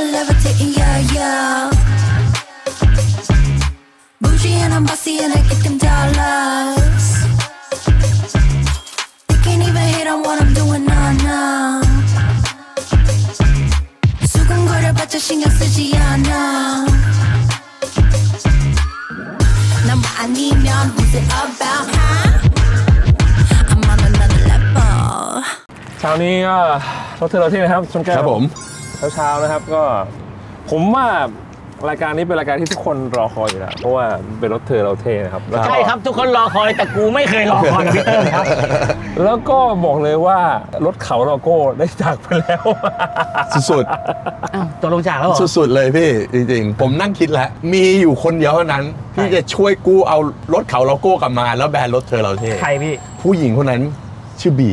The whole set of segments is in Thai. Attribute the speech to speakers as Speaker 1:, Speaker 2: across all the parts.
Speaker 1: levitating, yeah, yeah. Bougie and I'm bossy and I get them dollars. They can't even hate on what I'm doing, nah, nah. 수근거려봤자 신경 쓰지 않아. 넌 아니면 who's it about, huh? I'm on another level.
Speaker 2: เช้านี้ก็รถเธอเราที่นะครับชนแก้ว
Speaker 3: ครับผม
Speaker 2: เช้าๆนะครับก็ผมว่ารายการนี้เป็นรายการที่ทุกคนรอคอยอยู่แล้วเพราะว่าเป็นรถเธอเราเท่นะครับแล้วก็
Speaker 4: ใช่ครับทุกคนรอคอยแต่กูไม่เคยรอคอยกับพี่เติ้ลครับ
Speaker 2: แล้วก็บอกเลยว่ารถเขาโลโก้ได้จากไปแล้ว
Speaker 3: สุด
Speaker 4: อ้าวตัวลงจากแล้วเหรอ
Speaker 3: ๆสุดๆเลยพี่จริงๆผมนั่งคิดแล้วมีอยู่คนเดียวเท่านั้นที่จะช่วยกู้เอารถเขาโลโก้กลับมาแล้วแบรนด์รถเธอเราเท่
Speaker 4: ใครพี่
Speaker 3: ผู้หญิงคนนั้นชื่อบี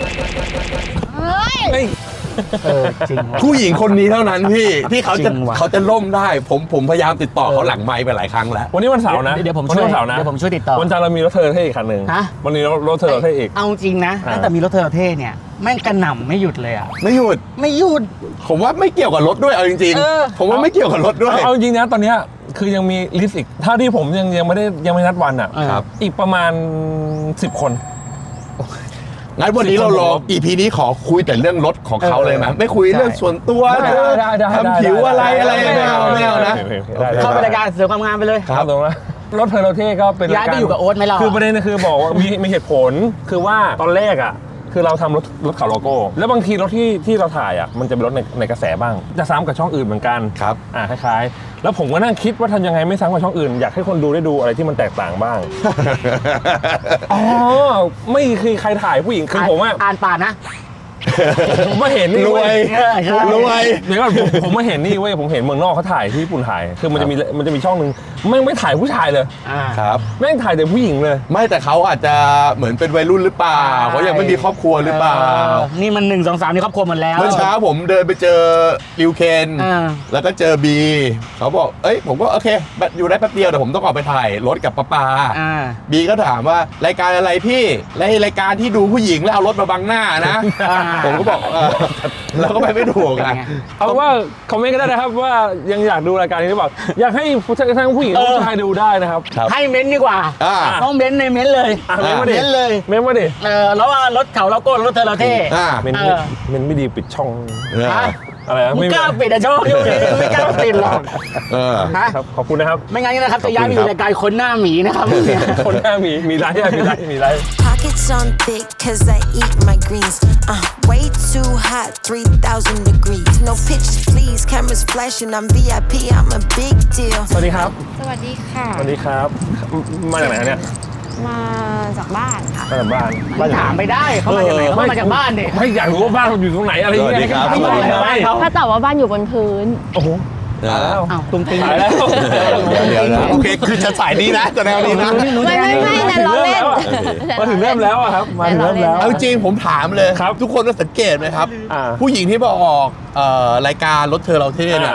Speaker 4: จริงวะ
Speaker 3: ผู้หญิงคนนี้เท่านั้นพี่ที่เขาจะ
Speaker 4: จริงว่ะ
Speaker 3: เขาจะล่มได้ผมพยายามติดต่อเขาหลังไมค์ไปหลายครั้งแล้ว
Speaker 2: วันนี้วันเสาร์นะ
Speaker 4: เดี๋ยวผม
Speaker 2: วัน
Speaker 4: ช่วย
Speaker 2: นี้วันเสาร์นะ
Speaker 4: เดี๋ยวผมช่วยติดต่อ
Speaker 2: วันจันทร์เรามีรถเธอเท่อีกคันหนึ่ง
Speaker 4: ฮะ
Speaker 2: วันนี้รถเธอเราเท่อีก
Speaker 4: เอาจริงนะ
Speaker 2: อ่า
Speaker 4: ตั้งแต่มีรถเทอร์เท่เนี่ยแม่งกระหน่ำไม่หยุดเลยอ่ะ
Speaker 3: ไม่หยุด
Speaker 4: ไม่หยุด
Speaker 3: ผมว่าไม่เกี่ยวกับรถด้วยเอาจริง
Speaker 4: เออ
Speaker 3: ๆผมว่าไม่เกี่ยวกับรถด้วย
Speaker 2: เอาจริงๆนะตอนเนี้ยคือยังมีลิสต์อีกถ้าที่ผมยังไม่นัดวันอ่ะ
Speaker 3: ครับ
Speaker 2: อีกประมาณ10 คน
Speaker 3: งั้นวันนี้เราลอง EP นี้ขอคุยแต่เรื่องรถของเขาเลยไหมไม่คุยเรื่องส่วนตัว
Speaker 2: ได้
Speaker 3: ทำผิวอะไรไม่เอานะ
Speaker 4: เข้าไปรายการเสริมความงามไปเลย
Speaker 2: ครับตรงนั้นรถเธอเราเท่ก็เป็น
Speaker 4: ย้ายไปอยู่กับโอ๊ตไหมเรา
Speaker 2: คือประเด็นคือบอกว่ามีเหตุผลคือว่าตอนแรกอ่ะคือเราทำรถเขาโลโก้ แล้วบางทีรถที่เราถ่ายอ่ะมันจะเป็นรถในกระแสบ้างจะซ้ำกับช่องอื่นเหมือนกัน
Speaker 3: ครับ
Speaker 2: คล้ายๆแล้วผมก็นั่งคิดว่าทำยังไงไม่ซ้ำกับช่องอื่นอยากให้คนดูได้ดูอะไรที่มันแตกต่างบ้าง อ๋อไม่คือใครถ่ายผู้หญิงคือผมว่า
Speaker 4: อ่านป่านนะ
Speaker 2: ผมมาเห็นนี่
Speaker 3: รวย
Speaker 4: เออใช่
Speaker 3: รวย
Speaker 2: เดี๋ยวก่อนผมมาเห็นนี่เว้ยผมเห็นเมืองนอกเขาถ่ายที่ญี่ปุ่นถ่ายคือมันจะมีช่องหนึ่งไม่ถ่ายผู้ชายเลย
Speaker 4: อ่า
Speaker 3: ครับ
Speaker 2: แม่งถ่ายแต่ผู้หญิงเลย
Speaker 3: ไม่แต่เขาอาจจะเหมือนเป็นวัยรุ่นหรือเปล่าเขายังไม่มีครอบครัวหรือเปล่า
Speaker 4: นี่มัน1 2 3นี่ครอบครัวหมดแล้ว
Speaker 3: เมื่อเช้าผมเดินไปเจอริวเคน
Speaker 4: อ่า
Speaker 3: แล้วก็เจอบีเขาบอกเอ้ยผมก็โอเคอยู่ได้แป๊บเดียวแต่ผมต้องออกไปถ่ายรถกับป้า
Speaker 4: อ่า
Speaker 3: บีก็ถามว่ารายการอะไรพี่รายการที่ดูผู้หญิงแล้วเอารถมาบังหน้านะ
Speaker 4: อ่า
Speaker 3: ผมก็บอกเราก็ไปไม่ถูกกัน
Speaker 2: เอาว่าคอมเมนต์ก็ได้นะครับว่ายังอยากดูรายการนี้หรือเปล่าอยากให้ทั้งผู้หญิงและผู้ชายดูได้นะครับ
Speaker 3: ครับ
Speaker 4: ให้เม้นต์ดีกว่า
Speaker 3: อ่า
Speaker 4: ต้องเม้นต์ในเม้นต์เลย
Speaker 2: เม้นต์มาดิ
Speaker 4: เม้นต์เลย
Speaker 2: เม้นต์มาดิ
Speaker 4: แล้วว่ารถเขาเราโก้รถเธอเราเท่
Speaker 3: อ่า
Speaker 2: เม้นต์
Speaker 4: เออ
Speaker 2: เม้นต์ไม่ดีปิดช่อง
Speaker 4: ฮะ
Speaker 2: อะไรนะ
Speaker 4: มึง
Speaker 2: ไม่
Speaker 4: กล้าปิดอะโชคอยู่ไม่กล้าปิดหรอก
Speaker 3: เออ
Speaker 4: ฮะ
Speaker 2: ครับขอบคุณนะครับ
Speaker 4: ไม่งั้นนะครับจะย้ายไปอ
Speaker 3: ขอบคุณครับ
Speaker 4: ยู่รายการคนหน้าหมีนะครับเนี่ย
Speaker 2: คนหน้ามีไลฟ์มีไลฟ์
Speaker 1: Pockets on thick, cause I eat my greens. Way too hot, 3,000 degrees. No pictures, please. Cameras flashing, I'm VIP, I'm a big deal.
Speaker 2: สวัสดีครับ
Speaker 5: สวัสดีค่ะ
Speaker 2: สวัสดีครับมาจากไหนเนี่ย
Speaker 5: มาจากบ้านค่ะ
Speaker 2: มาจากบ้าน
Speaker 4: มันถามไปได้เขามาจากไหนเขามาจากบ้านดิ
Speaker 2: ไม่อยากรู้ว่าบ้านเราอยู่ตรงไหนอะไรอย่างเงี้ย
Speaker 3: สวัสดีครับ
Speaker 2: ให้
Speaker 4: สวัสดีครับ
Speaker 2: ให้
Speaker 5: ถ้าตอบว่าบ้านอยู่บนพื้น
Speaker 2: โอ้โหตายแล้ว
Speaker 4: อ้าวตุ้งติ้ง
Speaker 2: ตายแล้ว
Speaker 3: เดี๋ยวนะโอเคคือจะสายนี้นะจะแนวนี้นะ
Speaker 5: ไม่แต่ล้อเล่น
Speaker 2: มาถึงเริ่มแล้วอะครับมาถึงเริ่มแล้ว
Speaker 3: เอาจริงผมถามเลย
Speaker 2: ครับ
Speaker 3: ทุกคนต้องสังเกตไหมครับ
Speaker 2: อ่า
Speaker 3: ผู้หญิงที่มาออกรายการรถเธอเราเท่เนี่ย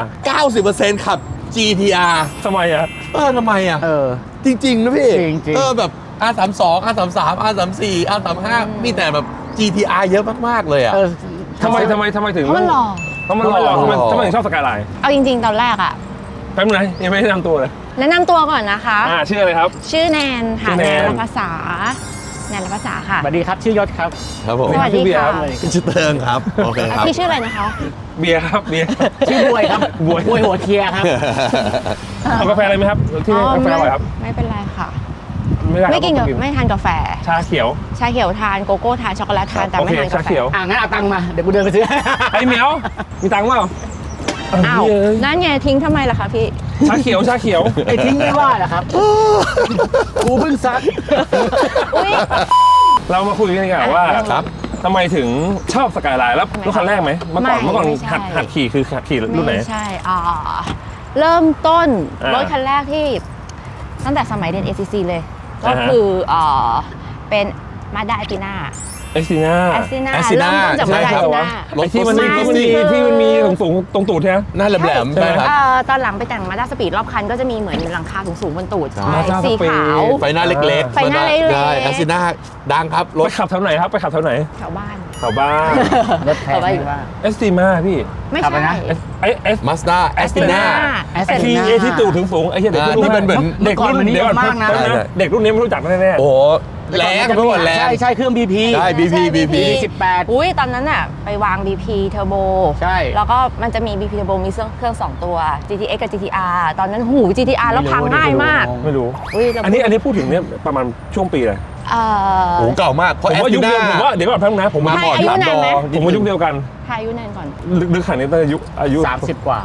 Speaker 3: 90%ขับ GTR
Speaker 2: ทำไมอะ
Speaker 3: ทำไมอ่ะ
Speaker 4: เออ
Speaker 3: จริงๆนะพี่
Speaker 4: จริงๆ
Speaker 3: แบบ R32 R33 R34 R35 มีแต่แบบ GTR เยอะมากๆเลยอ่ะ
Speaker 4: เออ
Speaker 2: ทำไมถึง
Speaker 5: เพราะมันหล่อ
Speaker 2: เพราะมันหล่อทำไมถึงชอบสกายไลน์
Speaker 5: เอาจริงๆ ตอนแรกอะ
Speaker 2: แป๊บนึงนะยังไม่ได้นำตัวเลย
Speaker 5: แนะนำตัวก่อนนะคะ
Speaker 2: ชื่ออะไรครับ
Speaker 5: ชื่อแนนค่ะ
Speaker 2: ชื่อ
Speaker 5: แน
Speaker 2: แนน
Speaker 5: นรภาษาแนนรภาษาค่ะ
Speaker 4: สวัสดีครับชื่อยศครับ
Speaker 3: ครับผม
Speaker 5: สวัสดีค่ะ
Speaker 3: ชื่อเติงครับ โอเคครับ
Speaker 5: พี่ชื่ออะไรนะคะ
Speaker 2: เบียร์ครับเบียร์
Speaker 4: ชื่อบวยครับบวยหัวเคลียร์ครับ
Speaker 2: เอากาแฟอะไรไหมครับที่นี่กาแฟอร่อยครับ
Speaker 5: ไม่เป็นไรค่ะ
Speaker 2: ไม่ได้ครับ
Speaker 5: ไม่กินกับไม่ทานกาแฟ
Speaker 2: ชาเขียว
Speaker 5: ชาเขียวทานโกโก้ทานช็อกโกแลตทานแต่
Speaker 2: โอ
Speaker 5: ไม่
Speaker 2: เค
Speaker 5: ทานาแฟ
Speaker 2: ชากเขียว
Speaker 4: งั้นเอาตังค์มาเดี๋ยวกูเดินไปซื้อ
Speaker 2: ไอ้เหมียวมีตังค์เปล่า
Speaker 5: อ้าวนั่นไงทิ้งทำไมล่ะคะพี่
Speaker 2: ชาเขียวชาเขียว
Speaker 4: ไอ้ทิ้งไม่ว่าเหรอครับ กูเพิ่งซัก
Speaker 5: อุ๊ย
Speaker 2: เรามาคุยกันดีกว่าว่า
Speaker 3: ครับ
Speaker 2: ทำไมถึงชอบสกายไลน์แล้วรถคันแรกไหมเมื่อก่อน
Speaker 5: ไม่
Speaker 2: เมื่อก่อน
Speaker 5: ไม่ใช่
Speaker 2: หัดขี่คือหัดขี่รุ่นไหน
Speaker 5: ไม่ใช่เริ่มต้น
Speaker 2: อ่าร
Speaker 5: ถคันแรกที่ตั้งแต่สมัยเรียน ACC เลย ก็
Speaker 2: อ่าฮะ
Speaker 5: คือเป็นมาด้าแอติน่า
Speaker 2: เอ็กซิน่า
Speaker 5: แอติน่า
Speaker 3: Astina
Speaker 5: เริ่มต้นจากมาด้าแอติน่า
Speaker 3: รถ
Speaker 2: ที่มันมี
Speaker 3: รถ
Speaker 2: ที่มันมีสูงตรงตูดใช่ไหม
Speaker 3: หน้าแหลมๆใช่ไหมครับ
Speaker 5: ตอนหลังไปแต่งมาด้าสปีดรอบคันก็จะมีเหมือนหลังคาสูงๆบนตูด
Speaker 3: ใช่
Speaker 2: Mazda
Speaker 5: สีขาว
Speaker 3: ไฟหน้าเล็กๆ
Speaker 5: ไฟหน้าเล็กๆ
Speaker 3: ได้แอสซิน่าดังครับร
Speaker 2: ไป
Speaker 3: ถ
Speaker 2: ขับแถวไหนครับไปขับแถวไหน
Speaker 5: แถวบ้าน
Speaker 2: แถวบ้าน
Speaker 4: รถแพงไม่ว่า
Speaker 2: เอสติมาพี่
Speaker 5: ไม่
Speaker 4: ขับไป
Speaker 5: ใช่
Speaker 4: นะ
Speaker 3: มาสด้าแอสตินา
Speaker 2: ทีเอที่ตู่ถึงสูงไอ้เหี้ยเด็กรุ่น
Speaker 3: ที่เป็นเหมือน
Speaker 2: เด็กรุ่น
Speaker 4: เมื่อก่อนมันนิยม
Speaker 2: เดี๋ยว
Speaker 4: มากนะ
Speaker 2: เด็กรุ่นนี้ไม่รู้จักแน่ๆ
Speaker 3: โอ้โหแรงไปหมดแรง
Speaker 4: ใช่เครื่อง BP
Speaker 3: ใช่ BP BP
Speaker 4: 18
Speaker 5: อุ้ยตอนนั้นอะไปวาง BP Turbo
Speaker 4: ใช่
Speaker 5: แล้วก็มันจะมี BP Turbo มีเครื่อง 2 ตัว GTX กับ GTR ตอนนั้นหู GTR แล้วพังง่ายมาก
Speaker 2: ไม่รู้
Speaker 5: อุ้ยเรา
Speaker 2: อันนี้พูดถึงเนี่ยประมาณช่วงปีเลย
Speaker 5: เอ่อ
Speaker 3: โอ้โหเก่ามากเพ
Speaker 2: ผ
Speaker 3: ราะ
Speaker 2: ม
Speaker 3: แอส
Speaker 2: ว่า
Speaker 3: ติ
Speaker 2: ยุค
Speaker 3: นา
Speaker 2: เดียวผมว่าเดี๋ยวก่อนแป๊บนึงนะผม
Speaker 3: มา
Speaker 2: มา
Speaker 3: ก่อน
Speaker 5: อายุนานไหม
Speaker 2: ผมว่ายุคเดียวกัน
Speaker 5: ทายอายุนานก่อน
Speaker 2: ลึกขนาดนี้ตั้งแต่อายุ
Speaker 4: 30 กว่า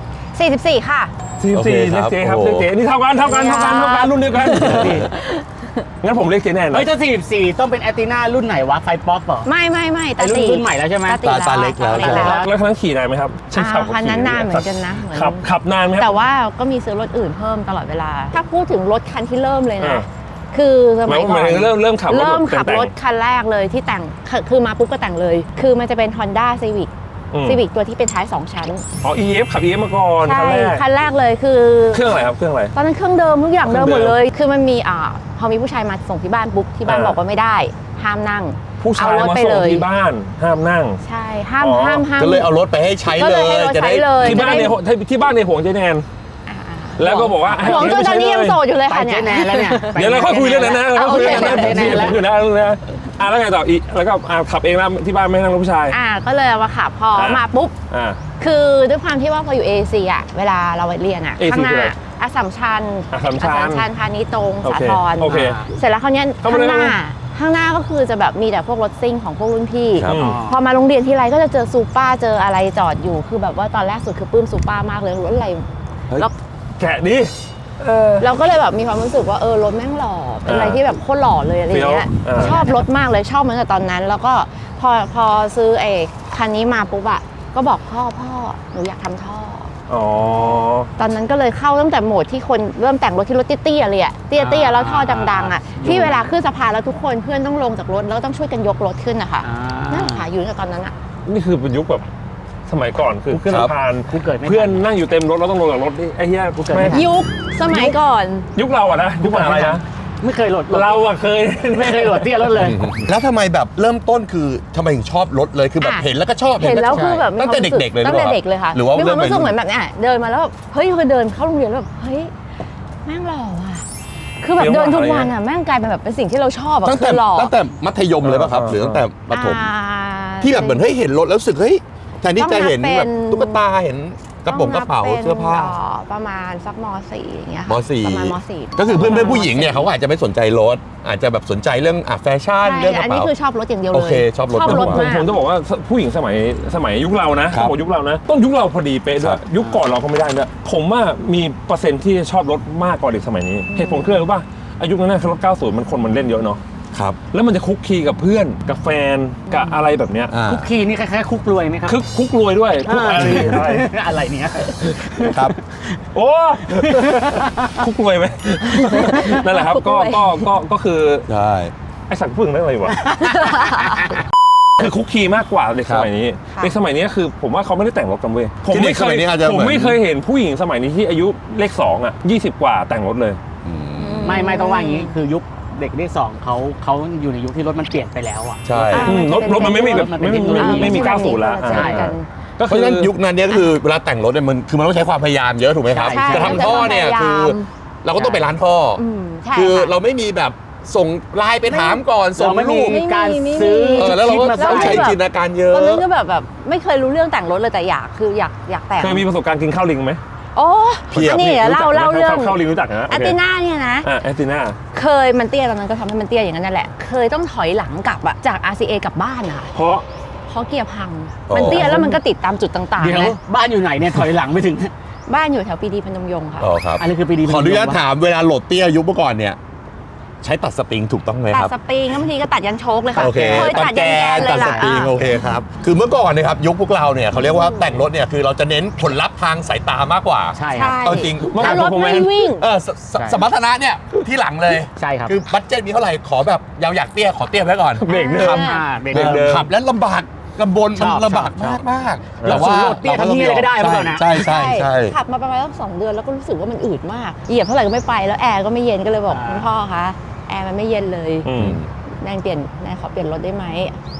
Speaker 5: 44 ค่ะ
Speaker 2: 44
Speaker 3: โอเค
Speaker 2: เรียกเจ๊ครับ
Speaker 3: โอ้โห
Speaker 2: เรียกเจ๊นี่เท่ากันรุ่นเดียวกันงั้นผมเรียกเจ๊แน่น
Speaker 4: เฮ้ยถ้า44ต้องเป็นแอตตินารุ่นไหนวะไฟป๊อปเหรอ
Speaker 5: ไม่
Speaker 4: ไอ้รุ่นใหม่แล้วใช่ไหม
Speaker 3: ตาเล็กแล้ว
Speaker 5: ตาเล็กแล้ว
Speaker 2: แล้วครั้งขี่นานไหมครับ
Speaker 5: คันนั้นนานเหมือนกันนะเหมือน
Speaker 2: ขับนานไหมค
Speaker 5: แต่
Speaker 2: รับ
Speaker 5: ว่าก็มีซื้อรถอื่นเพิ่มตลอดเวลา ถ้าพูดถึงรถคันที่เริ่มเลย
Speaker 2: อ่า
Speaker 5: นะ คือสมัยก่อน
Speaker 2: เริ่มขับ
Speaker 5: เริ่มขับ
Speaker 2: แต่ง
Speaker 5: รถคันแรกเลยที่แต่งคือมาปุ๊บก็แต่งเลย คือมันจะเป็น Honda Civic
Speaker 2: อืม
Speaker 5: Civic ตัวที่เป็นท้าย 2 ชั้น
Speaker 2: อ๋อ EF ขับ EF มาก่อน
Speaker 5: ใช่
Speaker 2: คันแรก
Speaker 5: คันแรกเลยคือ
Speaker 2: เครื่องอะไรครับเครื่องอะไร
Speaker 5: ตอนนั้นเครื่องเดิมทุกอย่างเดิมหมด
Speaker 2: เครื่องเดิม
Speaker 5: เลย คือมันมีพอมีผู้ชายมาส่งที่บ้านปุ๊บที่บ้าน
Speaker 2: อ่า
Speaker 5: บอกว่าไม่ได้ ห้ามนั่ง
Speaker 2: ผู้ชาย
Speaker 5: เอรถ
Speaker 2: มา
Speaker 5: ไป
Speaker 2: ส่
Speaker 5: เล
Speaker 2: ง
Speaker 5: ย
Speaker 2: ที่บ้านห้ามนั่ง
Speaker 5: ใช่ห้าม
Speaker 2: อ๋อ
Speaker 5: ห้าม
Speaker 3: ก็เลยเอารถไปให้ใช้
Speaker 5: ก็
Speaker 3: เล
Speaker 5: เลย
Speaker 3: ย
Speaker 5: ให้เรา
Speaker 3: จะ
Speaker 5: ใช้
Speaker 3: ได้
Speaker 5: เลย
Speaker 2: ที่บ้านในที่บ้านในห่วงเจ๊แนน
Speaker 5: อ่า
Speaker 2: แล้วก็บอกว่า
Speaker 5: ห่วงจนตอนนี้ยังโสดอยู่เลย
Speaker 4: ไป
Speaker 5: ค่ะ
Speaker 4: เจ๊
Speaker 5: เนี่ย
Speaker 4: แนนแล้วเนี่ย
Speaker 2: เดี๋ยวเราค่อยคุยเรื่องนั้นนะเราค่อยคุยเรื่องนั้น
Speaker 4: โอเค
Speaker 2: ผมอยู่นะแล้วไงต่ออีกแล้วก็ขับเองแล้วที่บ้านไม่ให้นั่งรถผู้ชาย
Speaker 5: ก็เลยเอามาขับพอ
Speaker 2: อ่าม
Speaker 5: มาปุ๊บ
Speaker 2: อ่า
Speaker 5: คือด้วยความที่ว่าพออยู่ AC อ่ะเวลาเราเรียนอ่ะ
Speaker 2: AC
Speaker 5: ข้างหน้า
Speaker 2: คืออะไร
Speaker 5: อัสสัมชัญ
Speaker 2: อัสสัมชัญ
Speaker 5: พาณิชย์ตรง
Speaker 2: โอ
Speaker 5: สา
Speaker 2: เค
Speaker 5: ทร
Speaker 2: โอเค
Speaker 5: เสร็จแล้วคราวเนี้ย
Speaker 2: เข้า
Speaker 5: ข้า
Speaker 2: มาเลย
Speaker 5: งหน้าก็คือจะแบบมีแต่พวกรถซิ่งของพวกรุ่นพี่
Speaker 3: ครับ
Speaker 5: พอมาโรงเรียนทีไรก็จะเจอซูเปอร์เจออะไรจอดอยู่คือแบบว่าตอนแรกสุดคือปลื้มซูเปอร์มากเลยรถอะไร
Speaker 3: เฮ้ย
Speaker 5: แล้ว
Speaker 2: แกะดิ
Speaker 5: เราก็เลยแบบมีความรู้สึกว่ารถแม่งหล่อเป็นอะไรที่แบบโคตรหล่อเลยอะไรเงี้ย
Speaker 2: เฟี้ยว
Speaker 5: ชอบรถมากเลยชอบมาตั้งแต่ตอนนั้น แล้วก็พอซื้อไอ้คันนี้มาปุ๊บอะก็บอกพ่อหนูอยากทำท่อ
Speaker 2: อ๋อ
Speaker 5: ตอนนั้นก็เลยเข้าตั้งแต่โหมดที่คนเริ่มแต่งรถที่รถเตี้ยๆเลยอะเตี้ยๆแล้วท่อดังๆอะที่เวลาขึ้นสะพานแล้วทุกคนเพื่อนต้องลงจากรถแล้วก็ต้องช่วยกันยกรถขึ้นนะคะนั่นแหละค่ะอยู่ตั้งแต่ตอนนั้นอะ
Speaker 2: นี่คือเป็นยุคแบบสมัยก่อนคือขึ้น
Speaker 3: ครับ
Speaker 2: สะพาน
Speaker 4: กูเกิดไม่ทัน
Speaker 2: เพื่อนนั่งอยู่เต็มรถแล้วต้องลงจากรถนี่ไอ้เหี้ย
Speaker 4: กูเกิดไม่ทัน
Speaker 5: ยุคสมัยก่อน
Speaker 2: ยุคเราอะนะยุคอะไรนะ
Speaker 4: ไม่เคยโหลด
Speaker 2: เราอะเคย
Speaker 4: ไม่เคยโหลดเตี้ยรถเลย
Speaker 3: แล้วทำไมแบบเริ่มต้นคือทำไมถึงชอบรถเลยคือแบบ
Speaker 5: อ่ะ
Speaker 3: เห็นแล้วก็ชอบ
Speaker 5: เห็นแล้วคือแบบ
Speaker 3: ตั้งแต่เด็กๆเลยหรือ
Speaker 5: ตั้ง
Speaker 3: เป
Speaker 5: แต่
Speaker 3: ล่า
Speaker 5: เด็กเลยค่ะ
Speaker 3: หรือว่า
Speaker 5: มีความรู้สึก
Speaker 3: เริ่
Speaker 5: เหมือนแบบเนี่ยเดินมาแล้วแบบเฮ้ยคือเดินเข้าโรงเรียนแล้วแบบเฮ้ยแม่งหล่อว่ะคือแบบ
Speaker 2: เฟี้ยว
Speaker 5: เดินทุก
Speaker 2: อะไร
Speaker 5: วัน
Speaker 2: เงี้ย
Speaker 5: อะแม่งกลายเป็นแบบเป็นสิ่งที่เราชอบอะ
Speaker 3: ตั้ง
Speaker 5: คื
Speaker 3: แต่
Speaker 5: อหล่อ
Speaker 3: ตั้งแต่มัธยมเลยป่ะครับหรือตั้งแต่ประถม
Speaker 5: อ่า
Speaker 3: ที่แบบเหมือนเฮ้ยเห็นรถแล้วรู้สึกเฮ้ยแทนที่จะเห็น
Speaker 5: ต้องนับ
Speaker 3: แบบ
Speaker 5: เป็น
Speaker 3: ตุ๊กตาเห็นกระเป๋าเสื้อผ้า
Speaker 5: ประมาณสักม .4 อย่างเงี้ยค่ะ
Speaker 3: ม .4
Speaker 5: ประมาณม .4
Speaker 3: ก็คือเพื่อนผู้หญิงเนี่ยเขาก็อาจจะไม่สนใจรถอาจจะแบบสนใจเรื่องแฟชั่น
Speaker 5: ใช่
Speaker 3: เรื่องกระ
Speaker 5: อันนี้
Speaker 3: เป๋า
Speaker 5: คือชอบรถอย่างเดียวเลย
Speaker 3: โอเคชอบรถ
Speaker 5: ชอบรถ
Speaker 2: ผม
Speaker 5: มาก
Speaker 2: จะบอกว่าผู้หญิงสมัยยุคเรานะ
Speaker 3: ครับ
Speaker 2: บอกยุคเรานะต้นยุคเราพอดีเป๊ะด้
Speaker 3: ครั
Speaker 2: วย
Speaker 3: บ
Speaker 2: ยุคก่อนเราก็ไม่ได้ด้วยผมว่ามีเปอร์เซ็นต์ที่ชอบรถมากกว่าเด็กสมัยนี้เหตุผลคืออะไรรู้ป่ะอายุนั้นนะรถ 90 มันคนมันเล่นเยอะเนาะ
Speaker 3: ครับ
Speaker 2: แล้วมันจะคุกคีกับเพื่อนกับแฟนกับอะไรแบบเนี้ย
Speaker 3: อ่า
Speaker 4: คุกคีนี่คล้ายๆคุกรวยไหมครับ
Speaker 2: คุกรวยด้วยคุกอะไร
Speaker 4: อะไรเนี่ย
Speaker 3: ครับ
Speaker 2: โอ้ คุกรวยไหม นั่นแหละครับก็คือ
Speaker 3: ใช่
Speaker 2: ไอสัตว์พึ่งนั่นอะไรวะ คือคุกคีมากกว่าเด็กสมัยนี้เด็กสมัยนี้คือผมว่าเขาไม่ได้แต่งรถกันเว้ยผมไม่เคยเห็นผู้หญิงสมัยนี้ที่อายุเลข2อ่ะ20 กว่าแต่งรถเลย
Speaker 4: ไม่ต้องว่าอย่างนี้คือยุคเด็กเลข2เขาอยู่ในยุคที่รถมันเปลี่ยนไปแล้วอ่ะ
Speaker 3: ใช่
Speaker 2: รถมันไม่มีแบบไม่มี90แล้ว
Speaker 5: ใช่กัน
Speaker 2: ก็
Speaker 3: เพ
Speaker 2: คื
Speaker 3: ราะ
Speaker 2: อ
Speaker 3: ฉะนั้นยุคนั้นเนี่ยก็คือเวลาแต่งรถเนี่ยมันต้องใช้ความพยายามเยอะถูกไหมครับ
Speaker 5: ใช่
Speaker 3: จะทำท่อเนี่ย
Speaker 5: มันจะต้องพยายาม
Speaker 3: คือเราก็ต้องไปร้านท่ออ
Speaker 5: ใช่
Speaker 3: คือ
Speaker 5: ค่ะ
Speaker 3: เราไม่มีแบบส่งไลน์ไปถามก่อนส่ง
Speaker 4: เราไม่มี
Speaker 3: รูป
Speaker 4: การ
Speaker 5: ไม่มี
Speaker 4: ซื้อ
Speaker 3: แล้วเราก็
Speaker 4: คิดมา
Speaker 3: ต้อง
Speaker 4: ใส่
Speaker 3: ใช้จินตนาการเยอะ
Speaker 5: ตอนนั้นก็แบบไม่เคยรู้เรื่องแต่งรถเลยแต่อยากแต่ง
Speaker 2: เคยมีประสบการณ์กินข้าวลิงไหม
Speaker 5: โอ้
Speaker 3: เพียบ
Speaker 5: นี่เล่าเรื่อง
Speaker 2: ข้าวลิงรู้จักนะ
Speaker 5: แอตติน่าเนี่ยนะ
Speaker 2: แอตติน่า
Speaker 5: เคยมันเตี้ยตอนนั้นก็ทำให้มันเตี้ยอย่างนั้นนั่นแหละ เคยต้องถอยหลังกลับอะจาก RCA กลับบ้านอะ
Speaker 2: เพราะ
Speaker 5: เพราะเกียร์พัง
Speaker 3: อ๋อ
Speaker 5: มันเตี้ยแล้วมันก็ติดตามจุดต่าง
Speaker 4: เดี๋
Speaker 5: ๆ
Speaker 4: ยว
Speaker 5: นะ
Speaker 4: บ้านอยู่ไหนเนี่ยถอยหลังไปถึง
Speaker 5: บ้านอยู่แถวปีดีพนมยงค์ค่ะ
Speaker 3: อ๋อครับ
Speaker 4: อันนี้คือปีดี
Speaker 3: ขออนุญาตถามเวลาโหลดเตี้ยยุคเมื่อก่อนเนี่ยใช้ตัดสปริงถูกต้องไหม
Speaker 5: ตั
Speaker 3: ค
Speaker 5: ด
Speaker 3: รับ
Speaker 5: สปริงแล้วบางทีก็ตัดยันโชคเลยค่ะ
Speaker 3: โอเค
Speaker 5: ยตัดยันแกนเล
Speaker 3: ตั
Speaker 5: ย
Speaker 3: ดส
Speaker 5: ล่ะ
Speaker 3: ปริงโอเคครับคือเมื่อก่อนเนี่ยครับยุคพวกเราเนี่ยเขาเรียกว่าแต่งรถเนี่ยคือเราจะเน้นผลลัพธ์ทางสายตามากกว่า
Speaker 4: ใช่ครับ
Speaker 5: ใช่
Speaker 3: เอาจริง
Speaker 5: แล้วรถไม่วิ่ง
Speaker 3: สมรรถนะเนี่ยที่หลังเลย
Speaker 4: ใช่ครับ
Speaker 3: คือบัตเจ็ตมีเท่าไหร่ขอแบบอยากเตี้ยขอเตี้ยไว้ก่อน
Speaker 2: เบรกเดิม
Speaker 4: เบรก
Speaker 3: เดิ
Speaker 4: เดิม
Speaker 3: ขับแล้วลำบากลำบน
Speaker 4: ช
Speaker 3: มัน
Speaker 4: อบ
Speaker 3: ลำบาก
Speaker 4: ชอบ
Speaker 3: มาก
Speaker 4: เออ
Speaker 3: แต่ว่า
Speaker 4: ส่วนโหลดเตี้ยทำเหี้ยอะไรก็ได้เมื่อก่อนนะ
Speaker 3: ใช่
Speaker 5: ขับมาประมาณสัก2 เดือนแล้วก็รู้สึกว่ามันอืดมากเหยียบเท่าไหร่ก็ไม่ไปแล้วแอร์ก็ไม่เย็นก็เลยบอกคุณพ่อคะแอร์มันไม่เย็นเลย
Speaker 2: อืม
Speaker 5: แนนขอเปลี่ยนรถได้ไหม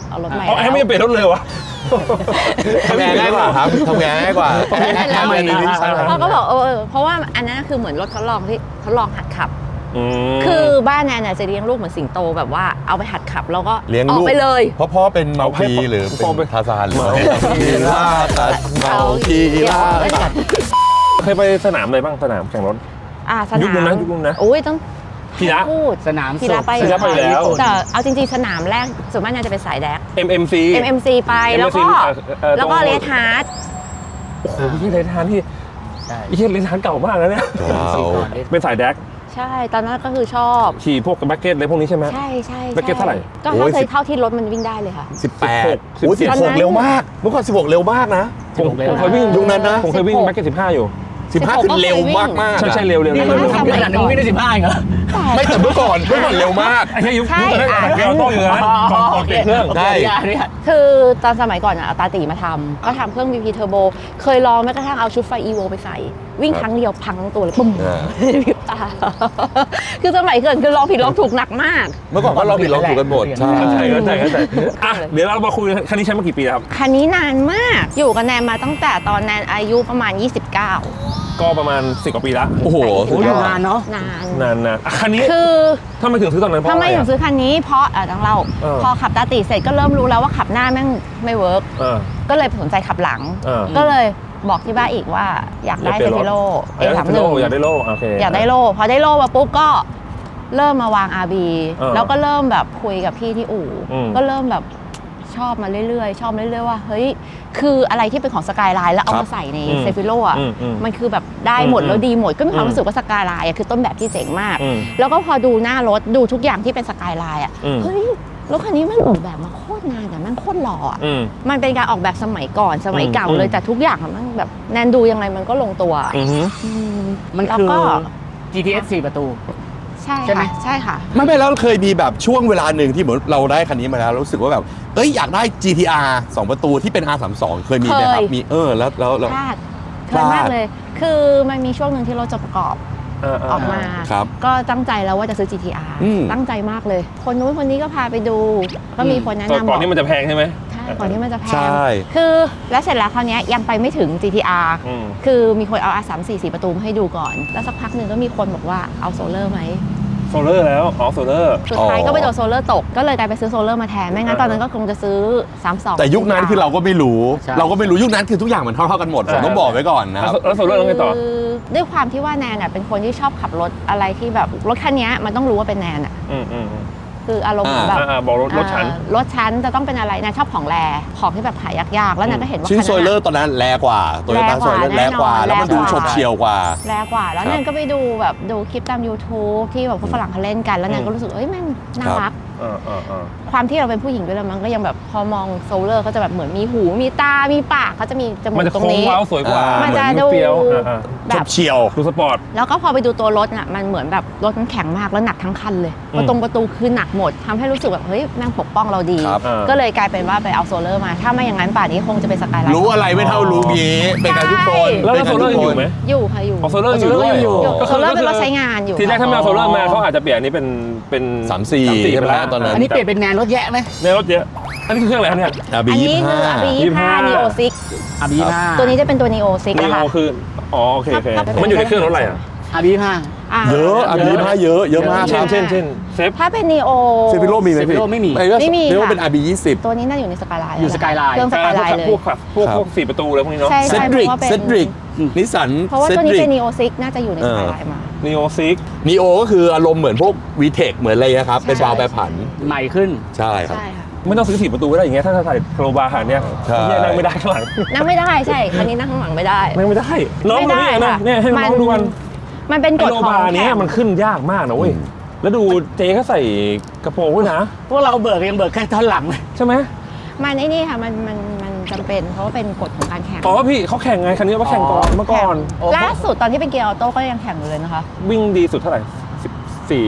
Speaker 5: เอารถใหม่
Speaker 2: เอาแอร์ไม่เปลี่ยนรถเลยวะ
Speaker 3: ทำงานง่ายกว่าครับทำงานง่ายกว่า
Speaker 4: ทำไมนะ
Speaker 5: เขาก็บอกเพราะว่าอันนั้นคือเหมือนรถทดลองที่ทดลองหัดขับ
Speaker 2: ม
Speaker 5: คือบ้านแนนจะเลี้ยงลูกเหมือนสิงโตแบบว่าเอาไปหัดขับแล้วก็
Speaker 3: เลี้ยง
Speaker 5: ออ
Speaker 3: ลู
Speaker 5: ก
Speaker 3: ก
Speaker 5: ไปเลย
Speaker 3: เพราะพ่อเป็นเมาคีหรือเป็นทาซานหรือคีล่าตัดเมาคีล่าตัด
Speaker 2: เคยไปสนามอะไรบ้างสนามแข่งรถ
Speaker 5: สนาม
Speaker 2: ยุคนู้นนะยุคนู้นนะ
Speaker 5: โอ้ยต้อง
Speaker 2: พีระ
Speaker 5: พูด
Speaker 4: สนาม
Speaker 5: พีระไป
Speaker 2: พีระไปแล้ว
Speaker 5: แต่เอาจริงๆสนามแรกส่วนมากน่าจะเป็นสายแดก
Speaker 2: MMC
Speaker 5: MMC ไปแล้วก็ แล้วก็เลทาร์ด
Speaker 2: โอ้โหที่เลทานที่
Speaker 4: ใช่
Speaker 2: ที่เลทานเก่ามากแล้วเนี่ย เป็นสายแดก
Speaker 5: ใช่ตอนนั้นก็คือชอบ
Speaker 2: ขี่พวกแบ็กเก็ตอะไรพวกนี้ใช่ไหม
Speaker 5: ใช่ใช่
Speaker 2: แบ็คเก็ตเท่าไหร่
Speaker 5: ก็
Speaker 3: โอ้ย
Speaker 5: เท่าที่รถมันวิ่งได้เลยค่ะ
Speaker 3: 18โอ้ย
Speaker 5: ตอนนั้น
Speaker 3: 16เร็วมากเมื่อก่อน16เร็วมากนะ
Speaker 2: ผมเคยวิ่ง
Speaker 3: ยุคนั้นนะ
Speaker 2: ผมเคยวิ่งแบ็กเก็ต15 อยู่
Speaker 3: 15คือเร็วมากมาก
Speaker 2: ใช่เร็ว
Speaker 4: นี่มันทำขนาดนั้นวิ่งได้15เหรอ
Speaker 3: ไม่แต่เมื่อก่อนเร็วมาก
Speaker 2: ไอ้เหี้ยยุค
Speaker 5: ใช่
Speaker 2: นั้นเกียร์โต้อยู่นะก่อนเปลี่ยนเครื่อง
Speaker 3: ได้
Speaker 5: คือตอนสมัยก่อนเอาตาตีมาทำก็ทำเครื่อง VP Turbo เคยลองแม้กระทั่งเอาชุดไฟ EVO ไปใส่ วิ่งครั้งเดียวพังทั้งตัวเลยปุ้มพริบตาคือสมัยเกิดคือลองผิดลองถูกหนักมาก
Speaker 3: เมื่อก่อนก็เราผิดเราถูกกันหมดใช่
Speaker 2: เข้าใจอ่ะเดี๋ยวเรามาคุยคันนี้ใช้มากี่ปีแล้วครับ
Speaker 5: คันนี้นานมากอยู่กับแนนมาตั้งแต่ตอนแนนอายุประมาณ 29
Speaker 2: ก็ประมาณ10 กว่าปีแล้ว
Speaker 3: โอ้โห
Speaker 4: โอ้ยนานเนาะ
Speaker 5: นาน
Speaker 2: นานนะคันนี้
Speaker 5: คือ
Speaker 2: ทำไมถึงซื้อตอนนั้นเพราะ
Speaker 5: ทำ
Speaker 2: อะ
Speaker 5: ไม
Speaker 2: ไร
Speaker 5: ถึงซื้อคันนี้เพราะต้องเล่า พอขับตาตีเสร็จก็เริ่มรู้แล้วว่าขับหน้าแม่งไม่เวิร์ก ก็เลยสนใจขับหลัง ก็เลยบอกที่บ้านอีกว่าอยากได้เซฟิโล A31
Speaker 2: อยากได้โล่โอเค
Speaker 5: อยากได้โล่พอได้โล่มาปุ๊บก็เริ่มมาวาง RB แล้วก็เริ่มแบบคุยกับพี่ที่อู่ก็เริ่มแบบชอบมาเรื่อยๆชอบเรื่อยๆว่าเฮ้ยคืออะไรที่เป็นของสกายไลน์แล้วเอามาใส่ในเซฟิโลอ่ะมันคือแบบได้หมดแล้วดีหมดก็มีความรู้สึกว่าสกายไลน์คือต้นแบบที่เจ๋งมากแล้วก็พอดูหน้ารถดูทุกอย่างที่เป็นสกายไลน์อ่ะเฮ้ยรถคันนี้มันออกแบบมาโคตรงานแต่มันโคตรหล่ออ่ะมันเป็นการออกแบบสมัยก่อนสมัยเก่าเลยแต่ทุกอย่างมันแบบแนนดูยังไงมันก็ลงตัว
Speaker 4: มัน
Speaker 5: แล้ว
Speaker 4: คือ
Speaker 5: ก็
Speaker 4: GTS 4 ประตู
Speaker 5: ใช่
Speaker 4: ใช่ไหม
Speaker 5: ค่ะใช่ค่ะ
Speaker 3: ไม่แล้วเคยมีแบบช่วงเวลาหนึ่งที่เหมือนเราได้คันนี้มาแล้วรู้สึกว่าแบบอยากได้ GTR 2 ประตูที่เป็น R32 เคยมีไหมครับ
Speaker 5: เคย
Speaker 3: มีแล้ว
Speaker 5: พลาดมากเลย คือมันมีช่วงหนึ่งที่รถจะประกอบออกมา
Speaker 3: ครับ
Speaker 5: ก็ตั้งใจแล้วว่าจะซื้อ GTR ตั้งใจมากเลย คนนู้นคนนี้ก็พาไปดู ก็มีคนแนะนำ
Speaker 2: ก่อนที่มันจะแพงใช่ไหม
Speaker 5: ใช่ก่อนที่มันจะแพ
Speaker 3: ใช่
Speaker 5: งคือแล้วเสร็จแล้วคราวนี้ยังไปไม่ถึง GTR คือมีคนเอา R34 4 ประตูมาให้ดูก่อน แล้วสักพักหนึ่งก็มีคนบอกว่าเอาโซลเลอร์ไหม
Speaker 2: โซลเลอร์แล้วโซลเลอร์
Speaker 5: สุดท้ายก็ไปโดนโซลเลอร์ตก ก็เลยกลายไปซื้อโซลเลอร์มาแทน ไม่งั้นตอนนั้นก็คงจะซื้อ 32
Speaker 3: แต่ยุคนั้นคือเราก็ไม่รู้
Speaker 4: ใช่
Speaker 3: เราก็ไม่รู้ยุคนั้นคือทุกอย่างมันเท่ากันหมดผมต้องบอกไว้ก่อนนะครับ
Speaker 2: แล้วโซลเลอร์แล้วไงต่อ
Speaker 5: คือด้วยความที่ว่าแนนเป็นคนที่ชอบขับรถอะไรที่แบบรถคันนี้มันต้องรู้ว่าเป็นแนนคืออารมณ์แบบ
Speaker 2: บอกรถฉัน
Speaker 5: รถชั้นจะต้องเป็นอะไรแนนชอบของแรของที่แบบหายากๆแล้วแนนก็เห็นว่า
Speaker 3: ชื่อ
Speaker 5: คัน
Speaker 3: โซ
Speaker 5: นั้น
Speaker 3: เลอร์ตอนนั้นแรงกว่าตัวต้าโซเลอร์แรงกว่า แล้วมันดูฉบเฉี่ยวกว่า
Speaker 5: แรงกว่าแล้ว
Speaker 3: ครับ
Speaker 5: แนนก็ไปดูแบบดูคลิปตาม YouTube ที่แบบพวกฝรั่งเขาเล่นกันแล้วแนนก็รู้สึกเอ้ยแม่งน่ารัก ความที่เราเป็นผู้หญิงด้วยแล้วมันก็ยังแบบพอมองโซลเลอร์ก็จะแบบเหมือนมีหูมีตา มีปากเขาจะมีจมู
Speaker 2: มัน
Speaker 5: ก
Speaker 2: จะ
Speaker 5: ตรง
Speaker 2: โค้ง
Speaker 5: นี้
Speaker 2: เว้าสวยกว่า
Speaker 5: มันจะ
Speaker 2: เห
Speaker 5: ดู
Speaker 2: เปรี้ยว
Speaker 5: แบ
Speaker 3: ฉ
Speaker 5: บบ
Speaker 3: เฉี่ยว
Speaker 2: ดูสปอร์ต
Speaker 5: แล้วก็พอไปดูตัวรถน่ะมันเหมือนแบบรถมันแข็งมากแล้วหนักทั้งคันเลยประตูคือหนักหมดทำให้รู้สึกแบบเฮ้ยแม่งปกป้องเราดี
Speaker 3: ครับ
Speaker 5: ก็เลยกลายเป็นว่าไปเอาโซลเลอร์มาถ้าไม่อย่างนั้นป่านนี้คงจะเป็นสกายไลน์
Speaker 3: รู้อะไรไม่เท่ารู้งี้เป็นการทุกคน
Speaker 2: แล้ว
Speaker 3: เป็น
Speaker 2: โซ
Speaker 3: การ
Speaker 2: ลเลอ
Speaker 3: ทุ
Speaker 2: ร์
Speaker 3: ก
Speaker 2: ยัง
Speaker 3: ค
Speaker 2: อน ยู่ไหม
Speaker 5: อยู่ค่ะอยู่
Speaker 2: โซลเลอร์อยู่ด้วย
Speaker 5: โซลเลอร์เป็นรถใช้งานอยู่
Speaker 2: ทีแรกถ้าไม่เอาโซลเลอร์มาเขาอาจจะเปลี่ยนอันนี้เป็น
Speaker 3: 34ใช่ไหมตอนนั้น
Speaker 4: อันนี้เปลี่ยนเป็นแนนรถแยะไหม
Speaker 2: ในรถเยอะอันนี้คือเครื่องอะไรครับเนี่ย
Speaker 3: RB
Speaker 5: อันนี้คือ RB25 Neo 6
Speaker 4: RB5
Speaker 5: ตัวนี้จะเป็นตัว Neo 6
Speaker 2: นี
Speaker 5: นะคะ
Speaker 2: โอคือโอเคมันอยู่ในเครื่องรถอะไรอ่ะ
Speaker 4: RB5
Speaker 3: เยอะ RB 5เยอะมากครับ
Speaker 2: เช่นเซฟ
Speaker 5: ถ้าเป็น Neo
Speaker 3: เซฟิโลมีไหมพี่
Speaker 4: Cefiro ไม่มี
Speaker 5: ไม่มี
Speaker 3: เรียกว่า
Speaker 5: ค่ะ
Speaker 3: เป็น RB 20
Speaker 5: ตัวนี้น่าอยู่ในสกายไลน์
Speaker 4: อยู่สกายไลน์
Speaker 5: เครื่องสกายไลน์เลย
Speaker 2: พวก4 ประตูเลยพวกนี้เนาะ
Speaker 5: ใช่
Speaker 3: เซ
Speaker 5: ใช่
Speaker 3: ดริก
Speaker 5: เพราะว่าเป็น
Speaker 3: เซดริกนิสสัน
Speaker 5: เพราะว่า
Speaker 3: เซ
Speaker 5: ตัว
Speaker 3: ด
Speaker 5: นี้
Speaker 3: ริก
Speaker 5: เป็น Neo 6น่าจะอยู่ในสกายไลน์มา
Speaker 2: นีโอซิก
Speaker 3: นีโอก็คืออารมณ์เหมือนพวก VTEC เหมือนอะไรนะครับ เป็นวาล์วแปรผัน
Speaker 4: ใหม่ขึ้น
Speaker 3: ใช่ครับ
Speaker 5: ใช่ค่ะ
Speaker 2: ไม่ต้องซื้อ4 ประตูก็ได้อย่างเงี้ยถ้าใส่โครบาร์ขนาดเนี้ย
Speaker 3: ใช่
Speaker 2: เฮียนั่งไม่ได้ข้างหลัง
Speaker 5: นั่งไม่ได้ใช่คันนี้นั่งข้างหลังไม่ได้
Speaker 2: นั่งไม่ได้ น้องดูนี่นะเนี่ยให้น้องดูกัน
Speaker 5: มันเป็นก
Speaker 2: ไอ
Speaker 5: ฎ
Speaker 2: โร
Speaker 5: ของ
Speaker 2: บาร์เนี้ยมันขึ้นยากมากนะเว้ยแล้วดูเจ๊เขาใส่กระโปรงด้วยนะ
Speaker 4: พวกเราเบิกยังเบิกแค่ท่อนหลังเลย
Speaker 2: ใช่ไหม
Speaker 5: มันไอ้นี่ค่ะมันจำเป็นเพราะว่าเป็นกฎของการแข่ง
Speaker 2: อ๋อพี่เขาแข่งไงคันนี้ว่าแข่งก่อนเมื่อก่อน
Speaker 5: ล่าสุดตอนที่เป็นเกียร์ออโต้ก็ยังแข่งอยู่เลยนะคะ
Speaker 2: วิ่งดีสุดเท่าไหร่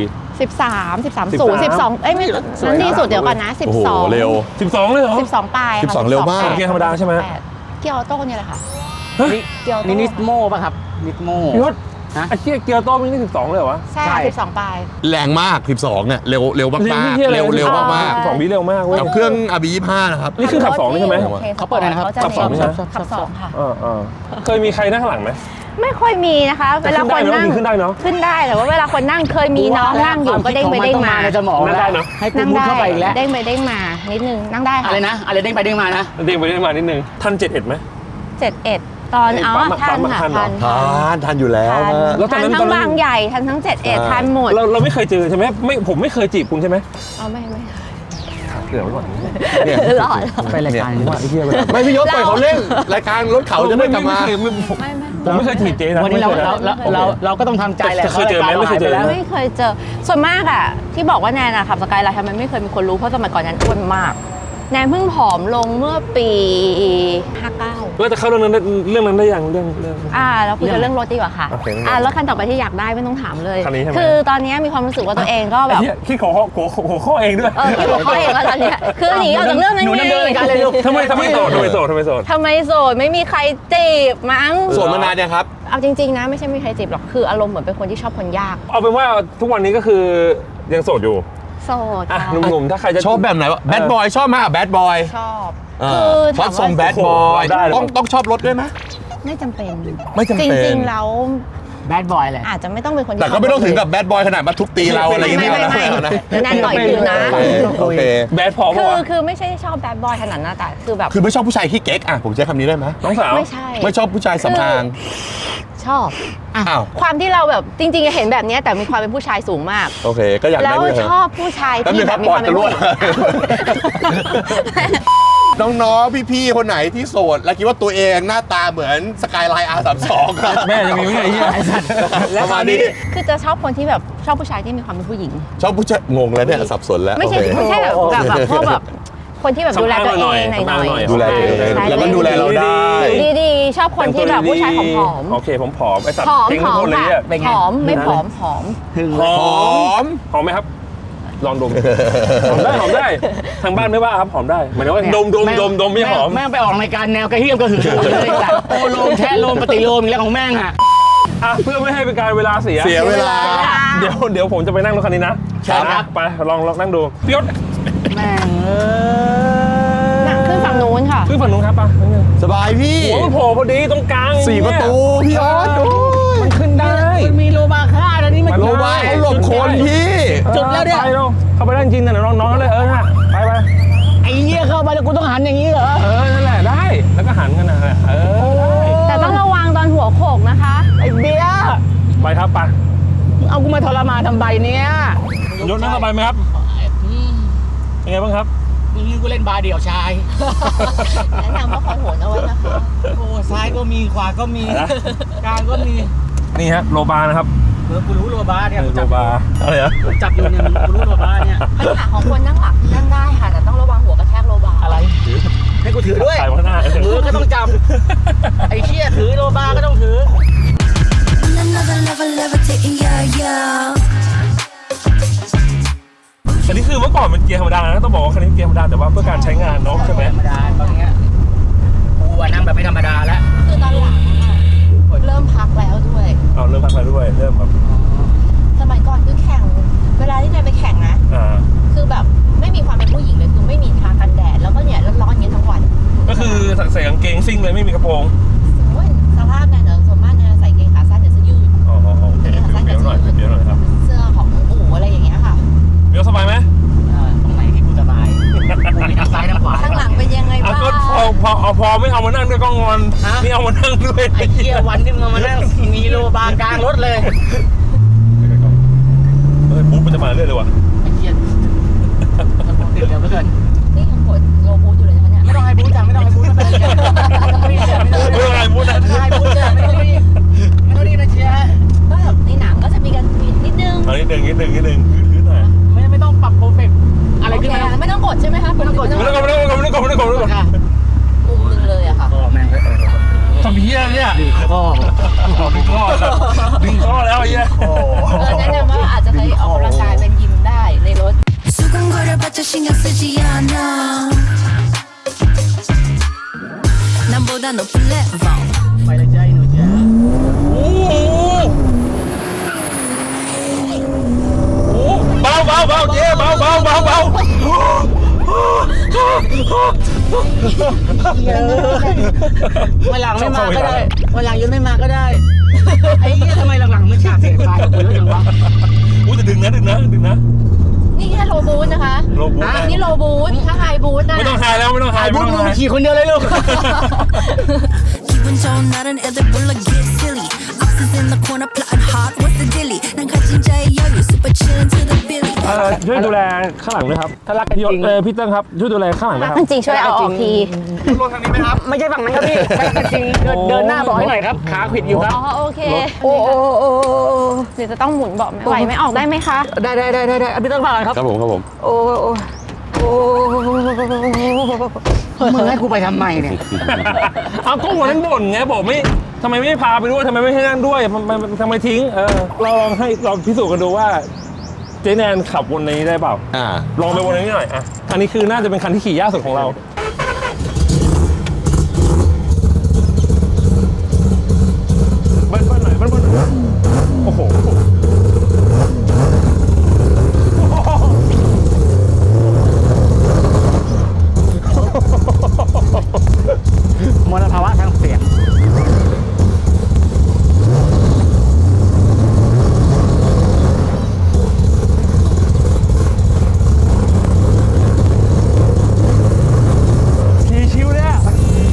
Speaker 5: 13 12เอ้ยไม่นั้นดีสุดเดี๋ยวก่อนนะ
Speaker 3: โอ้โห
Speaker 5: 12
Speaker 3: เร็ว
Speaker 2: 12เลยเหรอ
Speaker 5: 12ปลายค่ะ
Speaker 3: 12เร็วมาก
Speaker 5: 12
Speaker 2: เกียร์ธรรมดาใช่ไหม
Speaker 5: เกียร์ออโต้เนี่ยแหละค่ะ
Speaker 2: เฮ้ย
Speaker 5: เกียร์ออโต้
Speaker 4: นี่นิสโมป่ะครับนิสโม
Speaker 2: พี่ยศ
Speaker 4: ฮะ
Speaker 2: ไอ้เชี่ยเกียร์โต้วิ่งได้12เลยเหรอวะ
Speaker 5: ใช่
Speaker 4: ใช่
Speaker 5: 12 ปลาย
Speaker 3: แรงมาก 12เนี่ยเร็วมากๆ
Speaker 2: หี้ย
Speaker 3: เร็วมาก
Speaker 2: 12วิเร็วมากเว้ย
Speaker 3: กับเครื่อง RB 25นะครับ
Speaker 2: นี่คือขับ2นี่ใช่ไหม
Speaker 5: โอค
Speaker 4: เขาเปิดอะไรนะครับ
Speaker 5: ขาจะ
Speaker 2: ขับสอง
Speaker 5: มี
Speaker 2: ใช่ไหม
Speaker 5: ขับ 2 ค่ะ
Speaker 2: เคยมีใครนั่งข้างหลังไหม
Speaker 5: ไม่ค่อยมีนะคะ
Speaker 2: แต่
Speaker 5: เวลาคนนั่ง
Speaker 2: ขึ้นได้เนอะ
Speaker 5: ขึ้นได้แต่ว่าเวลาคนนั่งเคยมีน้องนั่งอยู่ก็เด้งไปเด้งมา
Speaker 4: ในสมอง
Speaker 2: นั่งได้เนอะ
Speaker 4: ให้กู
Speaker 5: นั่ง
Speaker 4: มุด
Speaker 5: ได้
Speaker 4: เข้าไปอีกแล้ว
Speaker 5: เด้งไปเด้งมานิดนึงนั่งได้ค่ะ
Speaker 4: อะไรนะอะไรเด้งไปเด้งมานะ
Speaker 2: เด้งไปเด้งมานิดนึงทัน71ไหม
Speaker 5: 71 ตอนอ๋อ
Speaker 2: ปั๊
Speaker 5: ทั
Speaker 2: ม
Speaker 5: น
Speaker 2: อะ
Speaker 5: ค่ะ
Speaker 2: ทันเหรอ
Speaker 3: ทันอยู่แล้ว
Speaker 5: ทัน
Speaker 2: แล้วตอน
Speaker 5: ทั
Speaker 2: นั้น น
Speaker 5: ทั้งบางใหญ่ทันทั้ง71ทันหมด
Speaker 2: เราไม่เคยเจอใช่ไหมไม่ผมไม่เคยจีบคุณใช่ไหม
Speaker 5: อ๋อไม่
Speaker 2: เดี๋ยวไว้ก่อน
Speaker 3: เนี่ย
Speaker 5: หล่อ
Speaker 4: ไปรายการนี้
Speaker 2: ว่าไอ้เหี้ย
Speaker 3: ไม่พี่ยศปล่อยเขาเล่นรายการรถเขาจะได้กลับมา
Speaker 2: ผมไม่เคยจีบเจ๊นะ
Speaker 4: วันนี้เรา
Speaker 2: ไม่คยะ
Speaker 4: เราก็ต้องทำใจแหละ
Speaker 2: เคยเจอไหมไม่เคยเจอ
Speaker 4: แล้ว
Speaker 5: ไม่เคยเจอส่วนมากอะที่บอกว่าแนนอะขับสกายไลน์ทำไมไม่เคยมีคนรู้เพราะสมัยก่อนแนนอ้วนมากแนนเพิ่งผอมลงเมื่อปี59
Speaker 2: เราจะเข้าเรื่องนั้นได้ยังเรื่อง
Speaker 5: เราคุยกันเรื่องรถดีกว่าค่ะ
Speaker 2: โอเค
Speaker 5: รถคันต่อไปที่อยากได้ไม่ต้องถามเลย
Speaker 2: คันนี้ใช่ไหม
Speaker 5: คือตอนนี้มีความรู้สึกว่าตัวเองก็แบบ
Speaker 2: คิดหัวข้อเองด้วย
Speaker 5: คิดหัวข้อเองแล้วตอนเนี้ยคือหนีออกจากเรื่องนั้น
Speaker 4: หนู
Speaker 5: ไง
Speaker 4: ดำเนินรายการเลยลูก
Speaker 2: ทำไมโสด
Speaker 5: ทำไมโสดไม่มีใครจีบมั้ง
Speaker 3: โสดมานานยังครับ
Speaker 5: เอาจริงๆนะไม่ใช่ไม่มีใครจีบหรอกคืออารมณ์เหมือนเป็นคนที่ชอบคนยาก
Speaker 2: เอาเป็นว่าทุกวันนี้ก็คือยังโสดอยู่
Speaker 5: โสด
Speaker 2: อ่ะ
Speaker 5: ค่ะ
Speaker 2: หนุ่มๆถ้าใครจะ
Speaker 3: ชอบแบบไหนวะแบดบอยชอบไหมแบดบอย
Speaker 5: ชอบ
Speaker 3: ช
Speaker 5: ถา
Speaker 3: อบ
Speaker 5: ม
Speaker 3: ทรงแบ
Speaker 5: ว่า
Speaker 3: ดบอย
Speaker 2: ได้เลย
Speaker 3: ต้องชอบรถด้วยไหม
Speaker 5: ไม่จำเป็น
Speaker 3: ไม่จำเป็น
Speaker 5: จริงๆแล้ว
Speaker 4: แบดบอยแหละ
Speaker 5: อาจจะไม่ต้องเป็นคนที่
Speaker 3: แต่ก็ไม่ต้องถึงกับแบดบอยขนาดมาทุบตีเราอะไรอย่าง
Speaker 5: ไม่
Speaker 3: เงี้ย
Speaker 5: ไม่
Speaker 3: นะ
Speaker 5: แนนต่อยคืนนะ
Speaker 3: โอเค
Speaker 2: แบดพอ
Speaker 5: คื
Speaker 2: ป่ะ
Speaker 5: อ
Speaker 2: วะ
Speaker 5: คือไม่ใช่ชอบแบดบอยขนาดนั้นแต่คือแบบ
Speaker 3: คือไม่ชอบผู้ชายขี้เก๊กอ่ะผมใช้คำนี้ได้ไหม
Speaker 2: น้องสาว
Speaker 5: ไม่ใช่
Speaker 3: ไม่ชอบผู้ชายสำอาง
Speaker 5: ชอบอ่ะ
Speaker 3: อ้าว
Speaker 5: ความที่เราแบบจริงๆเห็นแบบเนี้ยแต่มีความเป็นผู้ชายสูงมาก
Speaker 3: โอเค ก็อยาก
Speaker 5: แล้
Speaker 3: ได้
Speaker 5: ว
Speaker 3: ด้วย
Speaker 5: ชอบผู้ชาย
Speaker 3: แป๊บนึ
Speaker 5: ที่
Speaker 3: ง
Speaker 5: แบ
Speaker 3: ครับ
Speaker 5: บมี
Speaker 3: ป
Speaker 5: ค
Speaker 3: อ
Speaker 5: วา
Speaker 3: ด
Speaker 5: ม
Speaker 3: จะ
Speaker 5: เป็น
Speaker 3: รั่ว
Speaker 5: ผู้หญิง
Speaker 3: น้องๆพี่ๆคนไหนที่โสดและคิดว่าตัวเองหน้าตาเหมือนสกายไลน์ R32 ครับ
Speaker 2: แม่ยังมีไม่ได้เหี้ย
Speaker 3: ประมาณนี้
Speaker 5: คือจะชอบคนที่แบบชอบผู้ชายที่มีความเป็นผู้หญิง
Speaker 3: ชอบผู้ชายงงแล้วเนี่ยสับสนแล้ว
Speaker 5: ไม่ใช่
Speaker 3: โอเค
Speaker 5: ไม่ใช่แบบพวกแบบคนที่แบบดูแลตัวเองหน่อย
Speaker 3: ดูแลตัวเอง
Speaker 5: ใช่
Speaker 3: แล้วก็ดูแลเราได้
Speaker 5: ดีๆชอบคนที่แบบผู้ชายผอม
Speaker 2: โอเคผมผอมไอ้สัตว์
Speaker 5: ๆผอม
Speaker 2: เก่ง
Speaker 5: ผ
Speaker 2: ทุก
Speaker 5: อม
Speaker 2: คนเลย
Speaker 5: ค่ะ
Speaker 2: เนี่ย
Speaker 5: ผอมไม่ผอมผอม
Speaker 4: ถึง
Speaker 2: หอ
Speaker 3: หอม
Speaker 2: หอมไหมครับ ลองดมหอมได้ทางบ้านไม่ว่าครับหอมได้หมายถึงว่าดมไม่หอม
Speaker 4: แม่งไปออกรายการแนวกระเฮี้ยมกระหือเลยแต่โอโลมแทะโลมปฏิโลมอีกแล้วของแม่งอ่ะ
Speaker 2: อ่ะเพื่อไม่ให้เป็นการเวลาเสีย
Speaker 3: เสียเวลา
Speaker 2: เดี๋ยวผมจะไปนั่งรถคันนี้นะครับ ไปลองนั่งดูพี่ยศ
Speaker 4: แม่ง
Speaker 5: นั่งขึ้นฝั่งนู้นค่ะ
Speaker 2: ขึ้นฝั่งนู้นครับป่ะ
Speaker 3: สบายพี่
Speaker 2: หัวมันโผล่พอดีตรงกลาง
Speaker 3: 4 ประตูพี่ออสโอ้ย
Speaker 2: มันขึ้นได้
Speaker 4: มันมีโลบาค่าแล้วนี่มัน
Speaker 3: โลบาเขาหลบคนพี่
Speaker 4: จุดแล้วเนี่ย
Speaker 2: ไปเร็วเข้าไปได้จริงนะน้องๆเลยน่ะไป
Speaker 4: ไอ้เหี้ยเข้าไปแล้วกูต้องหันอย่างนี้เหรอ
Speaker 2: นั่นแหละได้แล้วก็หันกันนะได้
Speaker 5: แต่ต้องระวังตอนหัวโขกนะคะ
Speaker 4: ไอ้เบี้ย
Speaker 2: ไปครับไป
Speaker 4: มึงเอากูมาทรมานทำใบเนี้ย
Speaker 2: ยศนั่งสบายไหมครับเป็นไงบ้างครับ
Speaker 4: นี่กูเล่นบาร์เดี่ยวชาย
Speaker 5: แนะนำว่าคอยโหนเอาไว้นะคะ
Speaker 4: โอ้ซ้ายก็มีขวาก็มี
Speaker 2: อะไรนะ
Speaker 4: กลางก็มี
Speaker 2: นี่ฮะโลบานะครับ
Speaker 4: กูรู้โลบาเนี่ย
Speaker 2: โลบาอะไรนะ
Speaker 4: จับอยู่เนี่ยกูรู้โลบาเนี่ย
Speaker 5: ปัญหาของคนนั่งหลังนั่งได้ค่ะแต่ต้องระวังหัวกระแทกโลบา
Speaker 4: อะไรให้กูถือด้วย
Speaker 2: ถ่ายข้างหน้า
Speaker 4: มือก็ต้องจับไอ้เชี่ยถือโลบาก็ต้องถือ
Speaker 1: Another level levitating, yeah, yeah.
Speaker 2: อันนี้คือเมื่อก่อนมันเกียร์ธรรมดานะต้องบอกว่าคันนี้เกียร์ธรรมดาแต่ว่าเพื่อการใช้งานเนาะใช่ไหม
Speaker 4: ธรรมดาตอนเนี้ยกูว่านั่งแบบไม่ธรรมดาแล้ว
Speaker 5: คือตอนหลังเริ่มพักแล้วด้วย
Speaker 2: เอาเริ่มพักแล้วด้วยเริ่มแบบ
Speaker 5: สมัยก่อนคือแข่งเวลาที่นายไปแข่งนะ คือแบบไม่มีความเป็นผู้หญิงเลยคือไม่มีทากันแดดแล้วก็เนี่ยร้อนๆอย่างนี้ทั้งวัน
Speaker 2: ก็คือใส่กางเกงซิ่งเลยไม่มีกระโปรง
Speaker 5: โอ้ยสภาพเนี่ยส่วนมากเนี่ยใส่เกงขาสั้นเดี๋ยวเสื้อยืด
Speaker 2: อ๋อโอเคเดี๋ยวหน่อยครับ
Speaker 5: เสื้อของอู๋อะไรอย่างเงี้ยค่ะ
Speaker 2: เดี๋ยวสบายไหม
Speaker 4: ตรงไหนที่กูสบายกูมีทั้งซ้ายทั้งขวา
Speaker 5: ข้างหลังเป็นยังไงบ้าง
Speaker 2: ก็พอไม่เอามานั่งด้วยก็งอนนี่เอามานั่งด้วย
Speaker 4: ไอ้เชี่ยวันที่มึงมานั่งมีโลบากลางรถเลย
Speaker 2: ปุ๊บมันจะมาเรื่อยเลยว่ะ
Speaker 4: ไอ้เชี่ยติดเร็วเหลือเกิน
Speaker 5: นี่ยังกดโลบูทอยู่เลยนะคะเนี่ย
Speaker 4: ไม่ต้องให้บู๊จ้ะไม่ต้องให้บู๊ไม่เป็นไรไม่ต้องให้บู๊
Speaker 2: ไม่เป็นไรพูดนะ
Speaker 4: ไม่ต้องให้บู๊จ้ะไม่ต้องรีบไม่ต้องรีบนะเชียร์
Speaker 5: ก็แบบในหนังก็จะมีกันนิดนึง
Speaker 2: เอานิดนึงพื้นหน่อย
Speaker 4: ไม่ต้องปรับโปรเฟกอะไร
Speaker 5: โอ
Speaker 4: ขึ้น
Speaker 5: เค
Speaker 4: มา
Speaker 5: ไม่ต้องกดใช่ไหมคะ
Speaker 4: ไม่ต้องกด
Speaker 2: ไม่ต้อง
Speaker 4: ค่ะ
Speaker 5: ปุ่มหนึ่งเลยอะค่ะ
Speaker 4: ก็แม่ง
Speaker 2: ทำเหี้ยเนี่ย
Speaker 4: ดึงข้อ
Speaker 2: ดึงข้อแล้วไอ้เหี้ย
Speaker 5: แนะนำว่าอาจจะใช้ออกกำลังกายเป็นยิมได้ในรถ
Speaker 1: 수근거려봤자 신경 쓰지 않아 남보다 높은 레벨
Speaker 4: ไปเลยจ้าอีหนูจ้า
Speaker 2: โอ้โห
Speaker 4: วันหลังไม่มาก็ได้วันหลังยุ้ยไม่มาก็ได้ไอ้เหี้ยทำไมหลังๆไม่ฉากเสียงไฟกูเยอะจังวะ
Speaker 2: อุ้ยจะดึงนะ
Speaker 5: นี่แค่โลบูธนะคะ
Speaker 2: โลบูธ
Speaker 5: อันนี้โลบูธถ้าไฮบูธนะ
Speaker 2: ไม่ต้องไฮแล้วไม่ต้องไฮ
Speaker 4: ไอ้
Speaker 2: ไม่
Speaker 4: บุ๊ก
Speaker 2: ต้อง
Speaker 4: มึง
Speaker 2: ไฮ
Speaker 4: ขี่คนเดียวเลยลูก
Speaker 6: 기분 좋은 날은 애들 불러 get silly Oxys in the corner plotting hard what's the dilly 난 가진 자의 여유 super chillin' to the billy
Speaker 2: ช่วยดูแลข้างหลังด้วยครับ
Speaker 4: ถ้ารักกันจริง
Speaker 2: พี่เติ้งครับช่วยดูแลข้างหลังด้วยครับ
Speaker 5: จริงๆช่วยเอาออกที
Speaker 3: รถทางนี้ไหมครับ
Speaker 4: ไม่ใช่ฝั่งนั้นครับพี่ไม่ใช่จริงเดินหน้าบอกให้หน่อยครับขาขวิดอยู่ครับ
Speaker 5: อ๋อโอเคโอ้เดี๋ยวจะต้องหมุนเบาะไหวไม่ออกได้ไหมคะ
Speaker 4: ได้พี่ต้องมาครับ
Speaker 3: ครับผม
Speaker 4: โอ้มึงให้กูไปทำไมเนี่ย
Speaker 2: เอาก็วันนั้นบ่นไงบอกไม่ทำไมไม่พาไปด้วยทำไมไม่ให้นั่งด้วยทำไมทิ้งเราลองให้เราพิสูจน์กันดูว่าเจแนนขับวนนี้ได้เปล่าลองไปวนนี้หน่อยอ่ะคันนี้คือน่าจะเป็นคันที่ขี่ยากสุดของเราเบิ้ลหน่อยโอ้โห
Speaker 4: มลภาวะทางเสียง
Speaker 2: ชิวเลยอ่ะ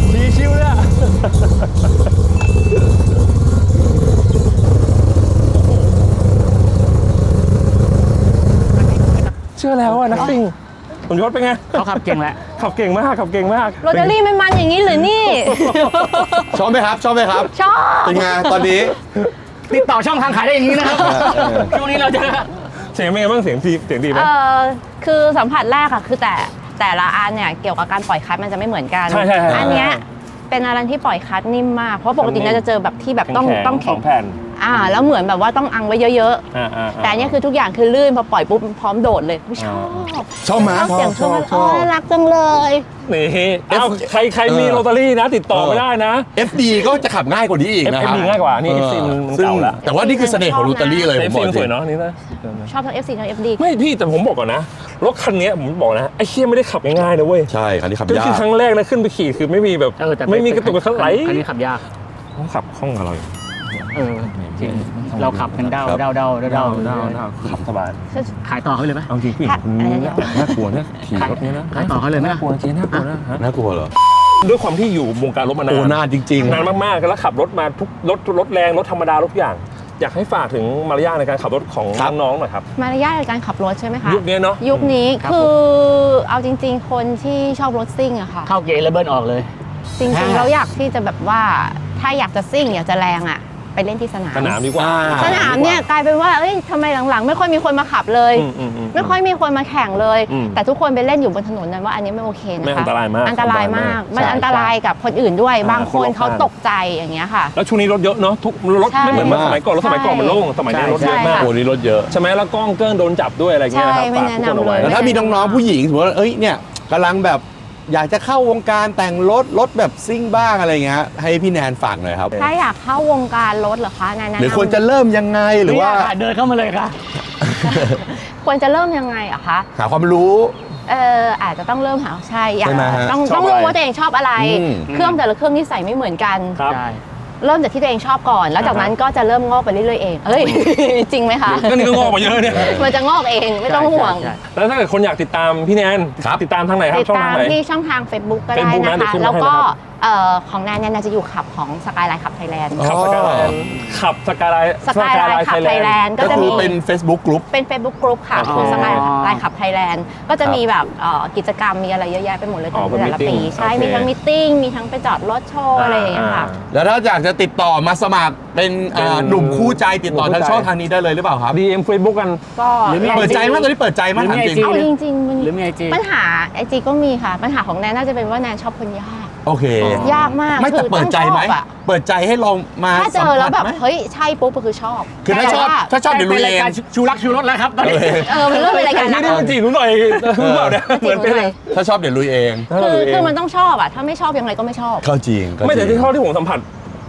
Speaker 2: เชื่อแล้วอ่ะนักซิ่งผมยศเป็นไง
Speaker 4: เขาขับเก่งแหละ
Speaker 2: ขับเก่งมาก
Speaker 5: โรตารี่มันมันอย่างนี้หรือนี่
Speaker 3: ชอบไหมครับ
Speaker 5: ชอบ
Speaker 3: เป็นไงตอนนี้
Speaker 4: ติดต่อช่องทางขายได้อย่างนี้นะครับช่วงนี้เราจะ
Speaker 2: เสียงเป็นไงบ้างเสียงดีไหม
Speaker 5: คือสัมผัสแรกอะคือแต่ละอันเนี่ยเกี่ยวกับการปล่อยคลัตช์มันจะไม่เหมือนกัน
Speaker 2: ใช่
Speaker 5: อันเนี้ยเป็นอะไรที่ปล่อยคลัตช์นิ่มมากเพราะปกติเนี่ยจะเจอแบบที่แบบต้อง
Speaker 2: สองแผ่น
Speaker 5: แล้วเหมือนแบบว่าต้องอังไว้เยอะๆแต่อันเนี้ยคือทุกอย่างคือลื่นพอปล่อยปุ๊บพร้อมโดดเลยชอบ
Speaker 3: ชอบไหม
Speaker 5: เสียงชอบรักจังเลย
Speaker 2: นี่เอาใครมีโรตารี่นะติดต่อไม่ได้นะ
Speaker 3: FD ก็จะขับง่ายกว่านี้อีกนะครับ
Speaker 2: FD ง่ายกว่านี่ FC มันเก่าละ
Speaker 3: แต่ว่านี่คือเสน่ห์ของโรตารี่เลยผม
Speaker 2: FC
Speaker 3: บอก
Speaker 2: มัน
Speaker 3: จ
Speaker 2: ส
Speaker 3: ริ
Speaker 2: วย
Speaker 3: ง
Speaker 2: เนาะนี่นะ
Speaker 5: ชอบทั้ง FC ทั้ง FD
Speaker 2: ไม่พี่แต่ผมบอกก่อนนะรถคันนี้ผมบอกนะไอ้เชี่ยไม่ได้ขับง่ายๆนะเว้ย
Speaker 3: ใช่คันนี้ขับ
Speaker 2: ก็
Speaker 3: ยา
Speaker 2: คือก ครั้งแรกนะขึ้นไปขี่คือไม่มีแบบ
Speaker 4: แต่
Speaker 2: ไม่มีกระตุกกระทันไหล
Speaker 4: คันนี้ขับยาก
Speaker 2: ต้องขับคล่องกับเรา
Speaker 4: จริงเราขับกันเด้า
Speaker 2: ขับสบาย
Speaker 4: ขายต่อเขาเลยไหม
Speaker 2: เอาจริงผู้หญิงคนนี้น่ากลัวนะขี่รถนี้นะ
Speaker 4: ขายต่อเขาเลยไหม
Speaker 2: น่ากลัวจริงน่ากลัวนะฮะ
Speaker 3: น่ากลัวเหรอ
Speaker 2: ด้วยความที่อยู่วงการรถมานา
Speaker 3: โอ้
Speaker 2: น
Speaker 3: นานจริง
Speaker 2: นานมากๆแล้วขับรถมาทุกรถแรงรถธรรมดาทุกอย่าง อยากให้ฝากถึงมารยาทในการขับรถของน้องๆหน่อยครับ
Speaker 5: มารยาทในการขับรถใช่ไหมคะ
Speaker 2: ยุคนี้เนาะ
Speaker 5: ยุคนี้คือเอาจริงๆ คนที่ชอบรถซิ่งอะค่ะ
Speaker 4: เข้าเกียร์แล้วเบิร์นออกเลย
Speaker 5: จริงๆเราอยากที่จะแบบว่าถ้าอยากจะซิ่งอยากจะแรงอะไปเล่นที่สนาม
Speaker 2: สนามดีกว่า
Speaker 5: สนามเนี่ยกลายเป็นว่าเอ้ยทำไมหลังๆ ไม่ค่อยมีคนมาขับเลย ไม่ค่อยมีคนมาแข่งเลย แต่ทุกคนไปเล่นอยู่บนถนนนั้นว่าอันนี้ไม่โอเคนะคะ
Speaker 2: ไม่อันตรายมาก
Speaker 5: อันตรายมากมันอันตรายกับคนอื่นด้วย บางคนเขาตกใจอย่างเงี้ยค่ะ
Speaker 2: แล้วช่วงนี้รถเยอะเนาะทุกรถ
Speaker 5: ใช่
Speaker 2: ไม่เหมือนเมื่อสมัยก่อนรถสมัยก่อนมันโล่งสมัยนี้รถเยอะมาก
Speaker 3: ๆโอ้นี่รถเยอะ
Speaker 2: ใช่ไหมแล้วกล้องเกิ้งโดนจับด้วยอะไรเงี้ยนะครับ
Speaker 5: ใช่ไม่
Speaker 2: ฝาก
Speaker 5: แนะ
Speaker 2: ทุกคนเอาไว้
Speaker 5: นำเลย
Speaker 3: แล้วถ้ามีน้องๆผู้หญิงสมมติว่าเอ้ยเนี่ยกำลังแบบอยากจะเข้าวงการแต่งรถแบบซิ่งบ้างอะไรเงี้ยให้พี่แนนฝากหน่อยครับ
Speaker 5: ถ้าอยากเข้าวงการรถเหรอคะแนะนำ
Speaker 3: หรือควรจะเริ่มยังไงหรือว่า
Speaker 4: เดินเข้ามาเลยค่ะ
Speaker 5: ควรจะเริ่มยังไงอะคะ
Speaker 3: หาความรู้
Speaker 5: อาจจะต้องเริ่มหาใช่อยาก
Speaker 3: ใช่ไหมฮะ
Speaker 5: ต้องรู้ว่าตัวเองชอบอะไร
Speaker 3: อืม
Speaker 5: เครื่องแต่ละเครื่องนิสัยไม่เหมือนกัน
Speaker 2: ครับ
Speaker 4: ใช่
Speaker 5: เริ่มจากที่ตัวเองชอบก่อน แล้วจากนั้นก็จะเริ่มงอกไปเรื่อยๆเองเอ้ย จริงไหมคะ
Speaker 2: ก็นี่ก็งอกมาเยอะเนี่ย
Speaker 5: มันจะงอกเองไม่ต้องห่วง
Speaker 4: ใช่
Speaker 2: แล้วถ้าเกิดคนอยากติดตามพี่แนน
Speaker 3: ครับ
Speaker 2: ติดตามทางไหนครับ
Speaker 5: ติด
Speaker 2: ช่อง
Speaker 5: ตา
Speaker 2: ทาง
Speaker 5: ม
Speaker 2: ไหน
Speaker 5: ที่ช่องทาง Facebook ก็ได้
Speaker 2: Facebook นะ
Speaker 5: นะ
Speaker 2: เดี๋ยว
Speaker 5: คะ
Speaker 2: ขึ้น
Speaker 5: แล้ว
Speaker 2: ให้
Speaker 5: ก็
Speaker 2: นะครับ
Speaker 5: ของแนนเนี่ยจะอยู่ขับของสกายไลน์ขับไทยแลนด์
Speaker 2: ขับสกายไลน์ขับสกายไลน์
Speaker 5: สกายไลน์ขับไทยแลนด์ก็
Speaker 3: ก็
Speaker 5: จะ
Speaker 3: คื
Speaker 5: มี
Speaker 3: อเป็น Facebook Group
Speaker 5: เป็น Facebook Group ค่ะ
Speaker 2: อ๋อ
Speaker 5: ของสกายไลน์ขับไทยแลนด์ก็จะมีแบบกิจกรรมมีอะไรเยอะแยะไปหมดเลย
Speaker 2: อ๋อเป็น
Speaker 5: แต่ละปี
Speaker 2: meeting
Speaker 5: ใช่
Speaker 2: โอเค
Speaker 5: มีทั้งมิทติ้งมีทั้งไปจอดรถโชว์อะไรอย่างเงี้ยค่ะ
Speaker 3: แล้วถ้าอยากจะติดต่อมาสมัครเป็นหนุ่มคู่ใจติดต่อทางช่องทางนี้ได้เลยหรือเปล่าครับ
Speaker 2: DM Facebook กัน
Speaker 5: ก็
Speaker 4: หรือมี
Speaker 3: เปิดใจมั้ยตอนนี้เปิดใจมั้ยถามจริง
Speaker 5: เอาจริงๆมัน
Speaker 4: หรือมี IG
Speaker 5: ปัญหา IG ก็มีค่ะ ปัญหาของแนนน่าจะเป็นว่าแนนชอบคนยาก
Speaker 3: โอเค
Speaker 5: ยากมาก
Speaker 3: ไม่แต่
Speaker 5: คือ
Speaker 3: เปิดใจไหม
Speaker 5: ต้องชอบอะ
Speaker 3: เปิดใจให้ลองมา
Speaker 5: ถ้าเจอแล้วแบบ
Speaker 3: สัมผัสไหม
Speaker 5: เฮ้ยใช่ปุ๊บก็คือชอบ
Speaker 3: คือถ้าชอบ
Speaker 5: แต่ว่
Speaker 3: ถ้าชอบเดี๋ยวลุย
Speaker 4: เป็น
Speaker 3: เอ
Speaker 4: ราย
Speaker 3: ง
Speaker 4: การชูรักชูรสแล้วครับตอนนี้
Speaker 5: มันเริ่มเป็นรายการ
Speaker 2: ไม่
Speaker 5: นะ
Speaker 2: ได้มาจีบหนูหน่อยหรือเปล่าเนี่ย
Speaker 5: มาจีบหนูหน่อย
Speaker 3: ถ้าชอบเดี๋ยวลุยเอง
Speaker 5: คือมันต้องชอบอะถ้าไม่ชอบยังไงก็ไม่ชอบ
Speaker 3: เข้าจริง
Speaker 2: ไม่แต่ที่เท่าที่ผมสัมผัส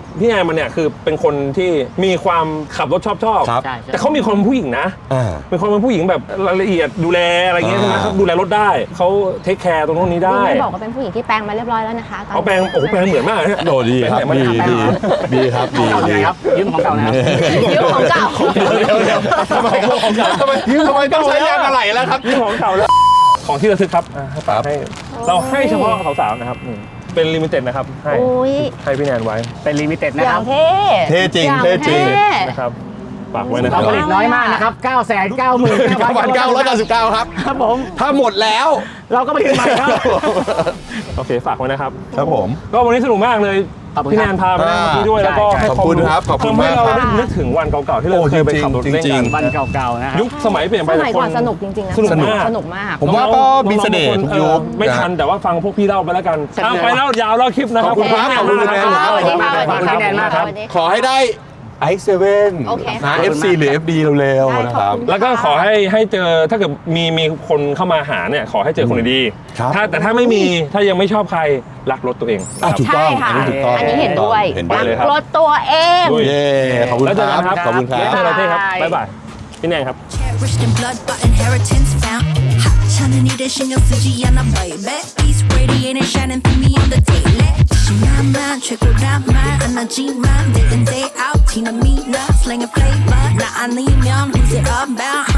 Speaker 2: พี่แอนมันเนี่ยคือเป็นคนที่มีความขับรถชอบ
Speaker 3: ครับ
Speaker 2: แต่เขามีความเป็นผู้หญิงนะ เป็นคนเป็นผู้หญิงแบบรายละเอียดดูแลอะไรเงี้ยใช่ไหมครับดูแลรถได้เขาเทคแคร์ตรงนี้ได้
Speaker 5: ไม่บอกว่าเป็นผู้หญิงที่แปลงมาเรียบร้อยแล้วนะคะตอนนี้
Speaker 2: เอาแปลงโอ้โหแปลงเหมือนมากนะ
Speaker 3: โดดีครับดีครับดี
Speaker 4: เก่าเลยครับยืมของเก่านะครับ
Speaker 5: ยืมของเก่า
Speaker 3: เดี๋ยวทำไมต้องใช้ยางอะไรแล้วครับ
Speaker 2: นี่ของเก่าแล้วของที่ระลึกครับให้ฝากให้เราให้เฉพาะสาวๆนะครับเป็นลิมิเต็ดนะครับให้พี่แนนไว้
Speaker 4: เป็นลิมิเต็ด
Speaker 5: อ
Speaker 4: นะค
Speaker 5: ย่า
Speaker 4: รั
Speaker 5: ง
Speaker 4: บ
Speaker 5: เท่
Speaker 3: เท่จริง
Speaker 5: อย่าง
Speaker 3: เท่จริง
Speaker 2: นะครับฝากไว้นะค
Speaker 4: เรา
Speaker 2: รับ
Speaker 4: ผลิตน้อยมากนะครับ
Speaker 3: 9,999 ครับ
Speaker 4: ครับผม
Speaker 3: ถ้าหมดแล้ว
Speaker 4: เราก็ผลิตใหม่ครับ
Speaker 2: โอเคฝากไว้นะครับ
Speaker 3: ครับผม
Speaker 2: ก็วันนี้สนุกมากเลย
Speaker 4: ขอบคุณ
Speaker 2: พี่
Speaker 4: ค
Speaker 2: แน
Speaker 4: รับ
Speaker 2: นพาไปนั่งที่ด้วยแล้วก็ให้
Speaker 3: ขอบคุณครับขอบคุณ
Speaker 2: ทำให้
Speaker 3: มาก
Speaker 2: เรา
Speaker 3: ครับ
Speaker 2: ได้นึกถึงวันเก่าๆที่เรา
Speaker 3: โอ้
Speaker 2: เคยไปขับรถเล่น
Speaker 3: จริ
Speaker 2: กั
Speaker 3: ง
Speaker 2: น
Speaker 3: ๆ
Speaker 4: วันเก่าๆนะครับ
Speaker 2: ยุคสมัยเปลี่ยนไป
Speaker 5: สมัยก่อนสนุกจริงๆนะ
Speaker 2: สนุกมาก
Speaker 5: สนุกมาก
Speaker 3: ผมว่าก็มีเสน่ห์ทุกยุค
Speaker 2: ไม่ทันแต่ว่าฟังพวกพี่เล่าไปแล้วกัน
Speaker 4: สนุก
Speaker 2: ไปแล้วยาวแล้วคลิปนะครับ
Speaker 3: ขอบคุณครับขอบคุณคุณแนน
Speaker 5: สวัสดีค่ะ
Speaker 4: ขอบคุณพี่แนนมากครับ
Speaker 3: ขอให้ได้ i7
Speaker 5: โอเค
Speaker 3: นะ FC หรือ FD เร็วๆนะครับ
Speaker 2: แล้วก็ขอให้เจอถ้าเกิดมีคนเข้ามาหาเนี่ยขอให้เจอคนดีๆ
Speaker 3: ครับ
Speaker 2: แต่ถ้าไม่มีถ้ายังไม่ชอบใครรักรถตัวเองนะครับ
Speaker 3: ถูกต้อง
Speaker 5: ใช่ค่ะ
Speaker 3: อันนี้ถูกต้อง
Speaker 5: อันนี้เห็นด้วย
Speaker 3: เห็น
Speaker 2: ไป
Speaker 3: ด้วย
Speaker 2: เลยครับ
Speaker 5: รถตัวเอง
Speaker 2: ด้วย
Speaker 3: เย้ขอบคุณ
Speaker 2: แล้ว
Speaker 3: ค
Speaker 2: เจอ
Speaker 3: รั
Speaker 2: กันครับ
Speaker 3: ขอบคุณครับ
Speaker 2: เจอกันเท่ครับบ๊ายบายพี่แนนครับ
Speaker 6: Cherished in blood, but inheritance found. Hot 천은 이래 신경 쓰지 않아, baby. Peace radiating, shining through me on the daily. 신나만 최고라만 안아지만 day in day out. 티나미나 slanging flavor. 나 아니면 who's it about?